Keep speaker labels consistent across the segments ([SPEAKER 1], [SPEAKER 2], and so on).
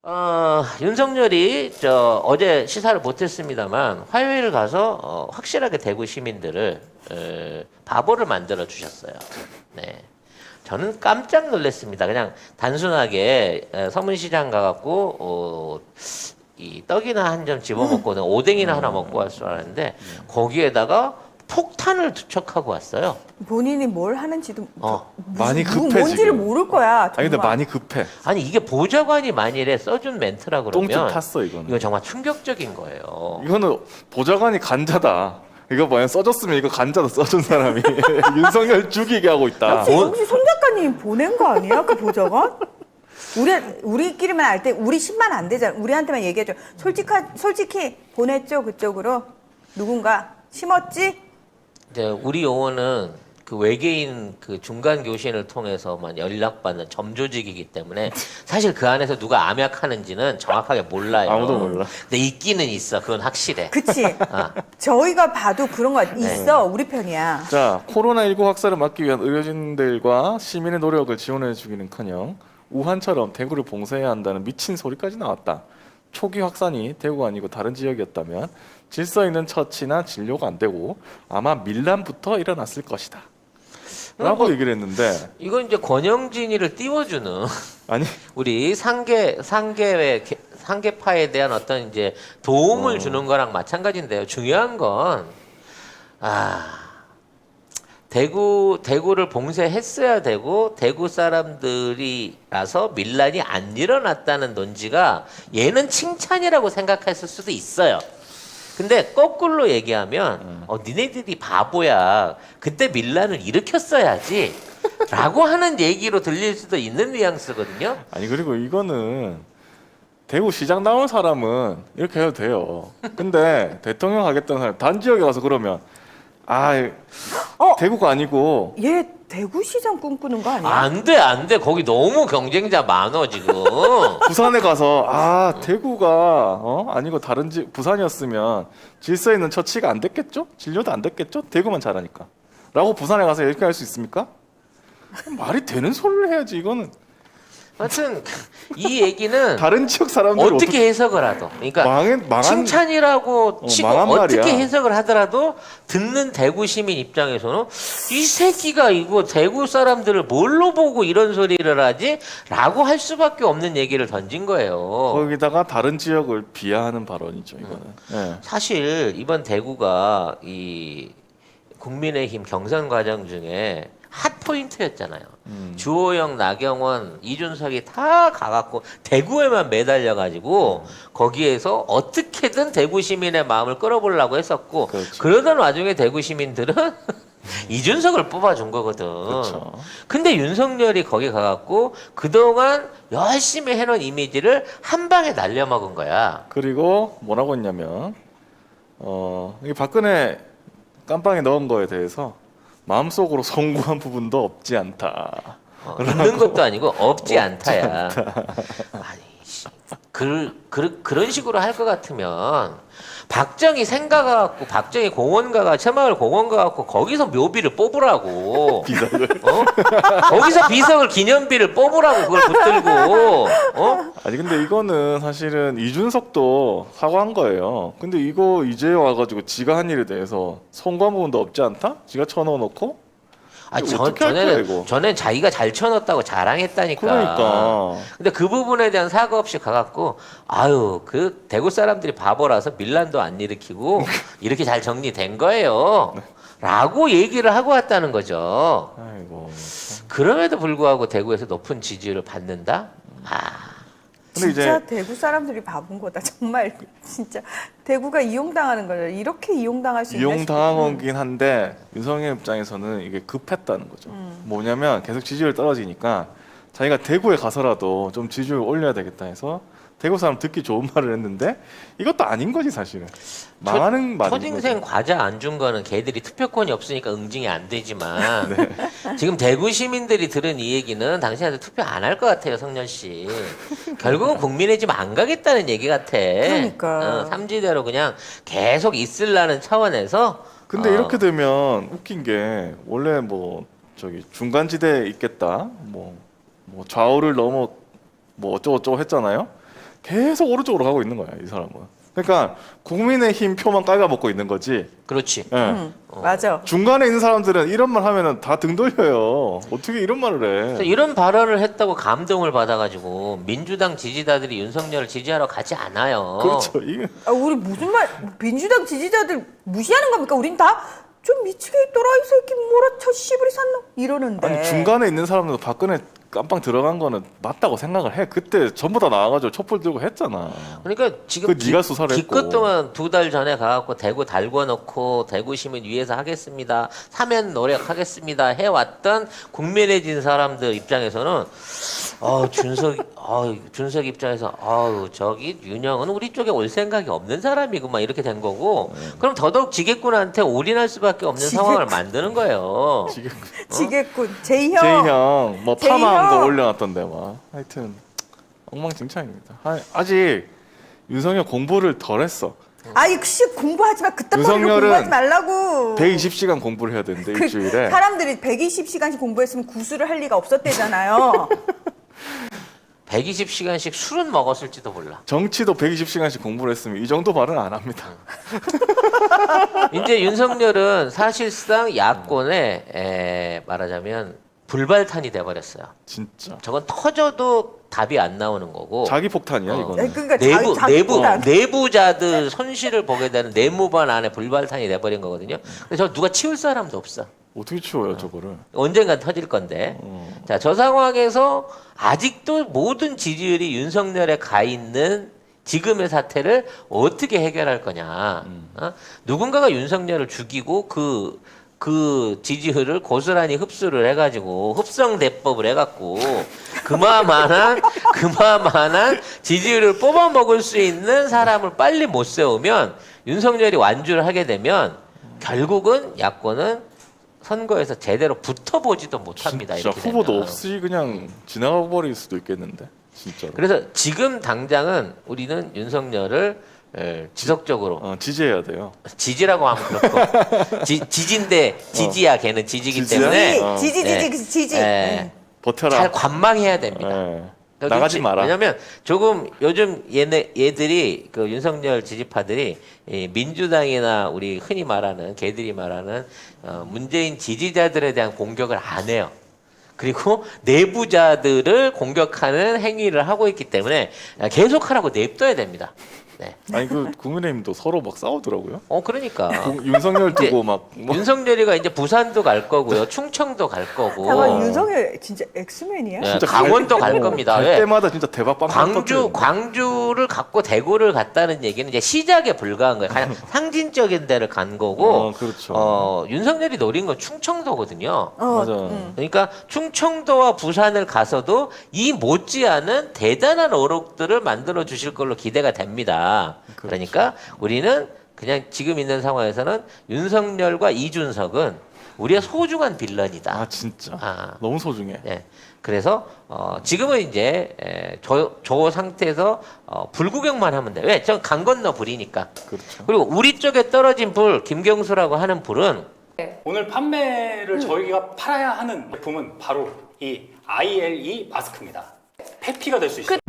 [SPEAKER 1] 윤석열이 어제 시사를 못했습니다만 화요일 가서 확실하게 대구 시민들을 바보를 만들어 주셨어요. 네. 저는 깜짝 놀랐습니다. 그냥 단순하게 서문시장 가갖고 이 떡이나 한 점 집어먹고는 오뎅이나 하나 먹고 왔을 줄 알았는데 거기에다가 폭탄을 투척하고 왔어요.
[SPEAKER 2] 본인이 뭘 하는지도
[SPEAKER 3] 많이 급해
[SPEAKER 2] 뭔지를
[SPEAKER 3] 지금.
[SPEAKER 2] 모를 거야. 정말.
[SPEAKER 3] 아니 근데 많이 급해.
[SPEAKER 1] 아니 이게 보좌관이 만일에 써준 멘트라 그러면
[SPEAKER 3] 똥줄 탔어 이거는.
[SPEAKER 1] 이건 정말 충격적인 거예요.
[SPEAKER 3] 이거는 보좌관이 간자다. 이거 뭐야 써줬으면 이거 간자도 써준 사람이 윤석열 죽이게 하고 있다.
[SPEAKER 2] 혹시 송 작가님 보낸 거 아니야? 그 보좌관? 우리끼리만 알 때 우리 10만 안 되잖아. 우리한테만 얘기해줘. 솔직히 보냈죠 그쪽으로 누군가 심었지?
[SPEAKER 1] 이제 우리 용어는 그 외계인 그 중간 교신을 통해서만 연락받는 점조직이기 때문에 사실 그 안에서 누가 암약하는지는 정확하게 몰라요.
[SPEAKER 3] 아무도 몰라.
[SPEAKER 1] 근데 있기는 있어. 그건 확실해.
[SPEAKER 2] 그치?
[SPEAKER 1] 아.
[SPEAKER 2] 저희가 봐도 그런 거 있어. 우리 편이야.
[SPEAKER 3] 자, 코로나19 확산을 막기 위한 의료진들과 시민의 노력을 지원해 주기는커녕 우한처럼 대구를 봉쇄해야 한다는 미친 소리까지 나왔다. 초기 확산이 대구가 아니고 다른 지역이었다면 질서 있는 처치나 진료가 안 되고 아마 밀란부터 일어났을 것이다. 라고 얘기를 했는데
[SPEAKER 1] 이건 이제 권영진이를 띄워주는
[SPEAKER 3] 아니
[SPEAKER 1] 우리 상계파에 대한 어떤 이제 도움을 주는 거랑 마찬가지인데요. 중요한 건 대구를 봉쇄했어야 되고 대구 사람들이라서 밀란이 안 일어났다는 논지가 얘는 칭찬이라고 생각했을 수도 있어요. 근데 거꾸로 얘기하면 니네들이 바보야. 그때 밀란을 일으켰어야지. 라고 하는 얘기로 들릴 수도 있는 뉘앙스거든요.
[SPEAKER 3] 아니 그리고 이거는 대구 시장 나온 사람은 이렇게 해도 돼요. 근데 대통령 하겠다는 사람 단지역에 가서 그러면 대구가 아니고
[SPEAKER 2] 얘 대구시장 꿈꾸는 거 아니야?
[SPEAKER 1] 안 돼. 거기 너무 경쟁자 많어, 지금.
[SPEAKER 3] 부산에 가서 대구가 아니고 다른 부산이었으면 질서 있는 처치가 안 됐겠죠? 진료도 안 됐겠죠? 대구만 잘하니까. 라고 부산에 가서 이렇게 할 수 있습니까? 말이 되는 소리를 해야지 이거는.
[SPEAKER 1] 하여튼 이 얘기는
[SPEAKER 3] 다른 지역 사람들
[SPEAKER 1] 어떻게 해석을 하도 그러니까
[SPEAKER 3] 망한
[SPEAKER 1] 칭찬이라고 치고
[SPEAKER 3] 망한
[SPEAKER 1] 어떻게
[SPEAKER 3] 말이야.
[SPEAKER 1] 해석을 하더라도 듣는 대구 시민 입장에서는 이 새끼가 이거 대구 사람들을 뭘로 보고 이런 소리를 하지? 라고 할 수밖에 없는 얘기를 던진 거예요.
[SPEAKER 3] 거기다가 다른 지역을 비하하는 발언이죠 이거는. 네.
[SPEAKER 1] 사실 이번 대구가 이 국민의힘 경선 과정 중에 핫 포인트였잖아요. 주호영, 나경원, 이준석이 다 가갖고 대구에만 매달려가지고 거기에서 어떻게든 대구 시민의 마음을 끌어보려고 했었고
[SPEAKER 3] 그렇죠.
[SPEAKER 1] 그러던 와중에 대구 시민들은 이준석을 뽑아준 거거든.
[SPEAKER 3] 그렇죠.
[SPEAKER 1] 근데 윤석열이 거기 가갖고 그동안 열심히 해놓은 이미지를 한 방에 날려먹은 거야.
[SPEAKER 3] 그리고 뭐라고 했냐면 이 박근혜 깜빵에 넣은 거에 대해서 마음속으로 송구한 부분도 없지 않다.
[SPEAKER 1] 있는 것도 아니고 없지 않다야. 아니, 그런 식으로 할 것 같으면 박정희 생가 갖고 박정희 공원 가가 새마을 공원 가 갖고 거기서 묘비를 뽑으라고.
[SPEAKER 3] 비석을.
[SPEAKER 1] 거기서 비석을 기념비를 뽑으라고 그걸 붙들고.
[SPEAKER 3] 아니 근데 이거는 사실은 이준석도 사과한 거예요. 근데 이거 이제 와가지고 지가 한 일에 대해서 송구한 부분도 없지 않다? 지가 쳐넣어놓고? 어떻게 할 거야, 이거?
[SPEAKER 1] 전엔 자기가 잘 쳐넣었다고 자랑했다니까.
[SPEAKER 3] 그러니까.
[SPEAKER 1] 근데 그 부분에 대한 사과 없이 가갖고 그 대구 사람들이 바보라서 밀란도 안 일으키고 이렇게 잘 정리된 거예요. 라고 얘기를 하고 왔다는 거죠.
[SPEAKER 3] 아이고.
[SPEAKER 1] 그럼에도 불구하고 대구에서 높은 지지율을 받는다?
[SPEAKER 3] 근데
[SPEAKER 2] 진짜
[SPEAKER 3] 이제
[SPEAKER 2] 대구 사람들이 바본 거다. 정말 진짜 대구가 이용당하는 거죠. 이렇게 이용당할 수 있나
[SPEAKER 3] 이용당한
[SPEAKER 2] 싶어요.
[SPEAKER 3] 거긴 한데 윤석열 입장에서는 이게 급했다는 거죠. 뭐냐면 계속 지지율 떨어지니까 자기가 대구에 가서라도 좀 지지율 올려야 되겠다 해서 대구 사람 듣기 좋은 말을 했는데 이것도 아닌 거지 사실은. 망하는 말인
[SPEAKER 1] 초딩생
[SPEAKER 3] 거죠.
[SPEAKER 1] 과자 안 준 거는 걔들이 투표권이 없으니까 응징이 안 되지만 지금 대구 시민들이 들은 이 얘기는 당신한테 투표 안 할 것 같아요, 성렬 씨. 결국은 국민의힘 안 가겠다는 얘기 같아.
[SPEAKER 2] 그러니까.
[SPEAKER 1] 삼지대로 그냥 계속 있으려는 차원에서.
[SPEAKER 3] 근데 이렇게 되면 웃긴 게 원래 중간지대에 있겠다. 뭐 좌우를 넘어 어쩌고저쩌고 했잖아요. 계속 오른쪽으로 가고 있는 거야, 이 사람은. 그러니까 국민의힘 표만 깔아먹고 있는 거지.
[SPEAKER 1] 그렇지.
[SPEAKER 3] 예.
[SPEAKER 2] 맞아.
[SPEAKER 3] 중간에 있는 사람들은 이런 말 하면은 다 등 돌려요. 어떻게 이런 말을
[SPEAKER 1] 그래서
[SPEAKER 3] 해?
[SPEAKER 1] 이런 발언을 했다고 감동을 받아가지고 민주당 지지자들이 윤석열을 지지하러 가지 않아요.
[SPEAKER 3] 그렇죠. 이게
[SPEAKER 2] 우리 무슨 말 민주당 지지자들 무시하는 겁니까? 우린 다 좀 미치게 있더라 이 새끼 몰아쳐 씨부리 샀노 이러는데.
[SPEAKER 3] 아니 중간에 있는 사람들도 박근혜 깜빵 들어간 거는 맞다고 생각을 해. 그때 전부 다 나와가지고 촛불 들고 했잖아.
[SPEAKER 1] 그러니까 지금
[SPEAKER 3] 그 네가 수사를
[SPEAKER 1] 기껏
[SPEAKER 3] 했고.
[SPEAKER 1] 동안 2달 전에 가갖고 대구 달궈놓고 대구 시민 위해서 하겠습니다. 사면 노력하겠습니다. 해왔던 국민의진 사람들 입장에서는 준석 입장에서 저기 윤영은 우리 쪽에 올 생각이 없는 사람이구만 이렇게 된 거고 그럼 더더욱 지게꾼한테 올인할 수밖에 없는 상황을 만드는 거예요.
[SPEAKER 3] 지금
[SPEAKER 2] 지겠군. 제이형.
[SPEAKER 3] 제이형 뭐
[SPEAKER 2] 제이형.
[SPEAKER 3] 파마한 거 올려놨던데 막 하여튼 엉망진창입니다. 아직 윤석열 공부를 덜 했어.
[SPEAKER 2] 아이 씨 공부하지 마. 그딴 거로
[SPEAKER 3] 윤석열은
[SPEAKER 2] 공부하지 말라고.
[SPEAKER 3] 120시간 공부를 해야 되는데 일주일에.
[SPEAKER 2] 사람들이 120시간씩 공부했으면 구술을 할 리가 없었대잖아요.
[SPEAKER 1] 120시간씩 술은 먹었을지도 몰라.
[SPEAKER 3] 정치도 120시간씩 공부를 했으면 이 정도 말은 안 합니다.
[SPEAKER 1] 이제 윤석열은 사실상 야권에 말하자면 불발탄이 돼버렸어요.
[SPEAKER 3] 진짜.
[SPEAKER 1] 저건 터져도 답이 안 나오는 거고.
[SPEAKER 3] 자기 폭탄이야 이거는.
[SPEAKER 2] 그러니까
[SPEAKER 1] 내부자들 손실을 보게 되는 내무반 안에 불발탄이 돼버린 거거든요. 근데 저 누가 치울 사람도 없어.
[SPEAKER 3] 어떻게 치워요 저거를?
[SPEAKER 1] 언젠간 터질 건데. 자, 저 상황에서 아직도 모든 지지율이 윤석열에 가 있는 지금의 사태를 어떻게 해결할 거냐. 누군가가 윤석열을 죽이고 그 지지율을 고스란히 흡수를 해가지고 흡성대법을 해갖고 그마만한 지지율을 뽑아먹을 수 있는 사람을 빨리 못 세우면 윤석열이 완주를 하게 되면 결국은 야권은 선거에서 제대로 붙어보지도 못합니다.
[SPEAKER 3] 진짜
[SPEAKER 1] 이렇게
[SPEAKER 3] 후보도
[SPEAKER 1] 되면.
[SPEAKER 3] 없이 그냥 지나가 버릴 수도 있겠는데 진짜로.
[SPEAKER 1] 그래서 지금 당장은 우리는 윤석열을 지속적으로
[SPEAKER 3] 지지해야 돼요.
[SPEAKER 1] 지지라고 하면 그렇고 지지인데 지지야 걔는 지지기
[SPEAKER 3] 지지야?
[SPEAKER 1] 때문에
[SPEAKER 2] 지지.
[SPEAKER 3] 버텨라.
[SPEAKER 1] 잘 관망해야 됩니다.
[SPEAKER 3] 예. 나가지 마라.
[SPEAKER 1] 왜냐면 조금 요즘 얘들이 그 윤석열 지지파들이 이 민주당이나 우리 흔히 말하는 걔들이 말하는 문재인 지지자들에 대한 공격을 안 해요. 그리고 내부자들을 공격하는 행위를 하고 있기 때문에 계속하라고 냅둬야 됩니다. 네.
[SPEAKER 3] 아니 그 국민의힘도 서로 막 싸우더라고요.
[SPEAKER 1] 그러니까
[SPEAKER 3] 윤석열 두고 막
[SPEAKER 1] 윤석열이가 이제 부산도 갈 거고요, 충청도 갈 거고.
[SPEAKER 2] 잠깐 윤석열 진짜 엑스맨이야?
[SPEAKER 1] 네, 강원도 갈 겁니다.
[SPEAKER 3] 갈
[SPEAKER 1] 왜?
[SPEAKER 3] 때마다 진짜 대박 빵.
[SPEAKER 1] 광주를 갖고 대구를 갔다는 얘기는 이제 시작에 불과한 거예요. 가장 상징적인 데를 간 거고.
[SPEAKER 3] 그렇죠.
[SPEAKER 1] 윤석열이 노린 건 충청도거든요.
[SPEAKER 3] 맞아.
[SPEAKER 1] 그러니까 충청도와 부산을 가서도 이 못지않은 대단한 어록들을 만들어 주실 걸로 기대가 됩니다. 그러니까 우리는 그냥 지금 있는 상황에서는 윤석열과 이준석은 우리의 소중한 빌런이다.
[SPEAKER 3] 아 진짜. 너무 소중해.
[SPEAKER 1] 네. 그래서 지금은 이제 저 상태에서 불구경만 하면 돼. 왜? 전 강 건너 불이니까.
[SPEAKER 3] 그렇죠.
[SPEAKER 1] 그리고 우리 쪽에 떨어진 불, 김경수라고 하는 불은
[SPEAKER 4] 오늘 판매를 저희가 팔아야 하는 제품은 바로 이 ILE 마스크입니다. 회피가 될 수 있어요.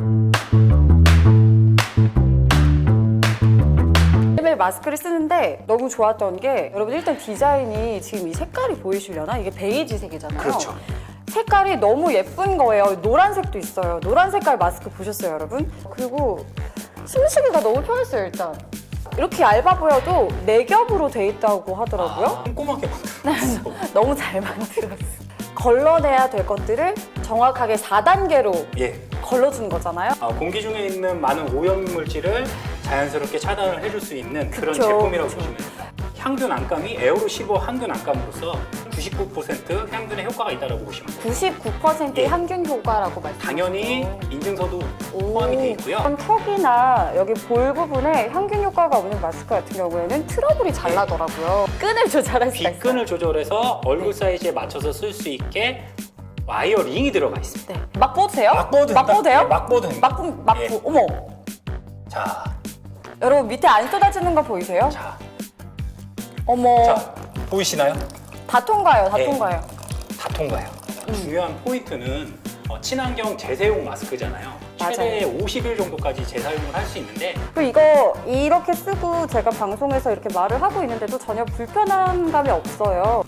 [SPEAKER 5] 매일 마스크를 쓰는데 너무 좋았던 게 여러분 일단 디자인이 지금 이 색깔이 보이시려나? 이게 베이지색이잖아요.
[SPEAKER 4] 그렇죠.
[SPEAKER 5] 색깔이 너무 예쁜 거예요. 노란색도 있어요. 노란 색깔 마스크 보셨어요, 여러분? 그리고 숨쉬기가 너무 편했어요, 일단. 이렇게 얇아 보여도 4겹으로 돼 있다고 하더라고요.
[SPEAKER 4] 꼼꼼하게 만들었어.
[SPEAKER 5] 너무 잘 만들었어. 걸러내야 될 것들을 정확하게 4단계로
[SPEAKER 4] 예.
[SPEAKER 5] 걸러주는 거잖아요.
[SPEAKER 4] 공기 중에 있는 많은 오염 물질을 자연스럽게 차단을 해줄 수 있는 그런
[SPEAKER 5] 그쵸,
[SPEAKER 4] 제품이라고
[SPEAKER 5] 그쵸.
[SPEAKER 4] 보시면 됩니다. 향균 안감이 에어로 15 향균 안감으로서 99% 향균의 효과가 있다고 보시면 돼요.
[SPEAKER 5] 99%의
[SPEAKER 4] 예.
[SPEAKER 5] 향균 효과라고 말씀하셨죠.
[SPEAKER 4] 당연히 인증서도 포함이 되어 있고요.
[SPEAKER 5] 그럼 턱이나 여기 볼 부분에 향균 효과가 없는 마스크 같은 경우에는 트러블이 잘 나더라고요. 끈을 조절할 수가 있어요.
[SPEAKER 4] 빗끈을 조절해서 얼굴 사이즈에 맞춰서 쓸 수 있게 와이어 링이 들어가 있습니다.
[SPEAKER 5] 네. 막 뻗도 돼요?
[SPEAKER 4] 막 뻗어도
[SPEAKER 5] 막 뻗도 돼요?
[SPEAKER 4] 예, 막 뻗어도 됩니다.
[SPEAKER 5] 막
[SPEAKER 4] 예.
[SPEAKER 5] 어머.
[SPEAKER 4] 자,
[SPEAKER 5] 여러분 밑에 안 쏟아지는 거 보이세요?
[SPEAKER 4] 자,
[SPEAKER 5] 어머.
[SPEAKER 4] 자, 보이시나요?
[SPEAKER 5] 다 통과해요. 다
[SPEAKER 4] 예.
[SPEAKER 5] 통과해요.
[SPEAKER 4] 다 통과해요. 중요한 포인트는 친환경 재사용 마스크잖아요. 최대 50일 정도까지 재사용을 할 수 있는데
[SPEAKER 5] 그리고 이거 이렇게 쓰고 제가 방송에서 이렇게 말을 하고 있는데도 전혀 불편한 감이 없어요.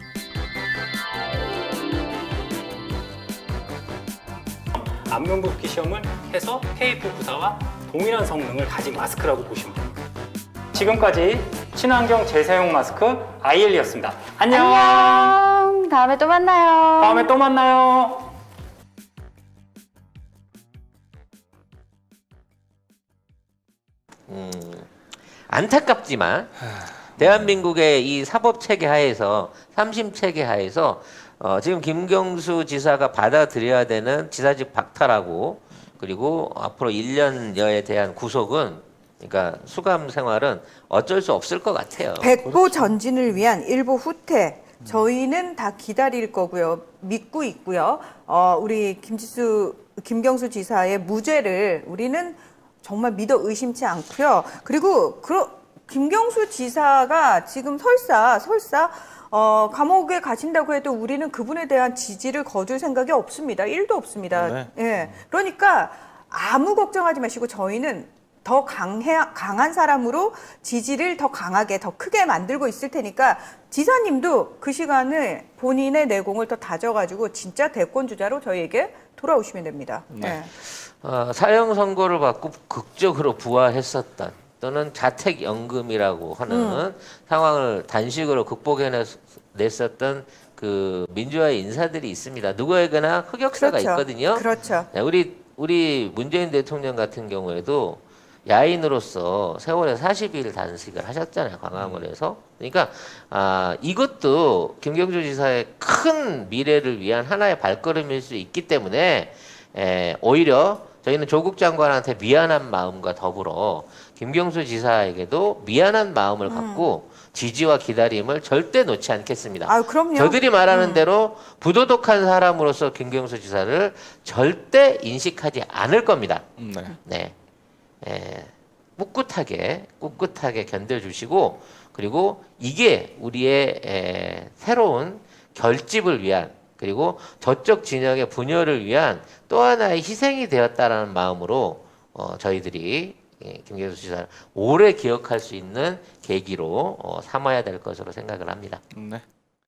[SPEAKER 4] 안면 붓기 시험을 해서 KF94와 동일한 성능을 가진 마스크라고 보시면 됩니다. 지금까지 친환경 재사용 마스크 IL이었습니다. 안녕.
[SPEAKER 5] 안녕. 다음에 또 만나요.
[SPEAKER 4] 다음에 또 만나요.
[SPEAKER 1] 안타깝지만 대한민국의 이 사법 체계 하에서 삼심 체계 하에서 지금 김경수 지사가 받아들여야 되는 지사직 박탈하고 그리고 앞으로 1년여에 대한 구속은 그러니까 수감 생활은 어쩔 수 없을 것 같아요.
[SPEAKER 2] 백보 전진을 위한 일보 후퇴 저희는 다 기다릴 거고요. 믿고 있고요. 우리 김경수 지사의 무죄를 우리는 정말 믿어 의심치 않고요. 그리고 김경수 지사가 지금 설사 감옥에 가신다고 해도 우리는 그분에 대한 지지를 거둘 생각이 없습니다. 1도 없습니다.
[SPEAKER 3] 네.
[SPEAKER 2] 예. 그러니까 아무 걱정하지 마시고 저희는 더 강한 사람으로 지지를 더 강하게 더 크게 만들고 있을 테니까 지사님도 그 시간에 본인의 내공을 더 다져가지고 진짜 대권 주자로 저희에게 돌아오시면 됩니다.
[SPEAKER 3] 네.
[SPEAKER 1] 사형 선고를 받고 극적으로 부활했었던 또는 자택연금이라고 하는 상황을 단식으로 극복해냈었던 그 민주화의 인사들이 있습니다. 누구에게나 흑역사가
[SPEAKER 2] 그렇죠.
[SPEAKER 1] 있거든요.
[SPEAKER 2] 그렇죠.
[SPEAKER 1] 네, 우리 문재인 대통령 같은 경우에도 야인으로서 세월에 40일 단식을 하셨잖아요. 광화문에서. 그러니까 이것도 김경주 지사의 큰 미래를 위한 하나의 발걸음일 수 있기 때문에 오히려 저희는 조국 장관한테 미안한 마음과 더불어 김경수 지사에게도 미안한 마음을 갖고 지지와 기다림을 절대 놓지 않겠습니다.
[SPEAKER 2] 아, 그럼요.
[SPEAKER 1] 저들이 말하는 대로 부도덕한 사람으로서 김경수 지사를 절대 인식하지 않을 겁니다.
[SPEAKER 3] 네.
[SPEAKER 1] 네. 꿋꿋하게 견뎌주시고 그리고 이게 우리의 새로운 결집을 위한 그리고 저쪽 진영의 분열을 위한 또 하나의 희생이 되었다라는 마음으로 저희들이 김경수 지사를 오래 기억할 수 있는 계기로 삼아야 될 것으로 생각을 합니다.
[SPEAKER 3] 네.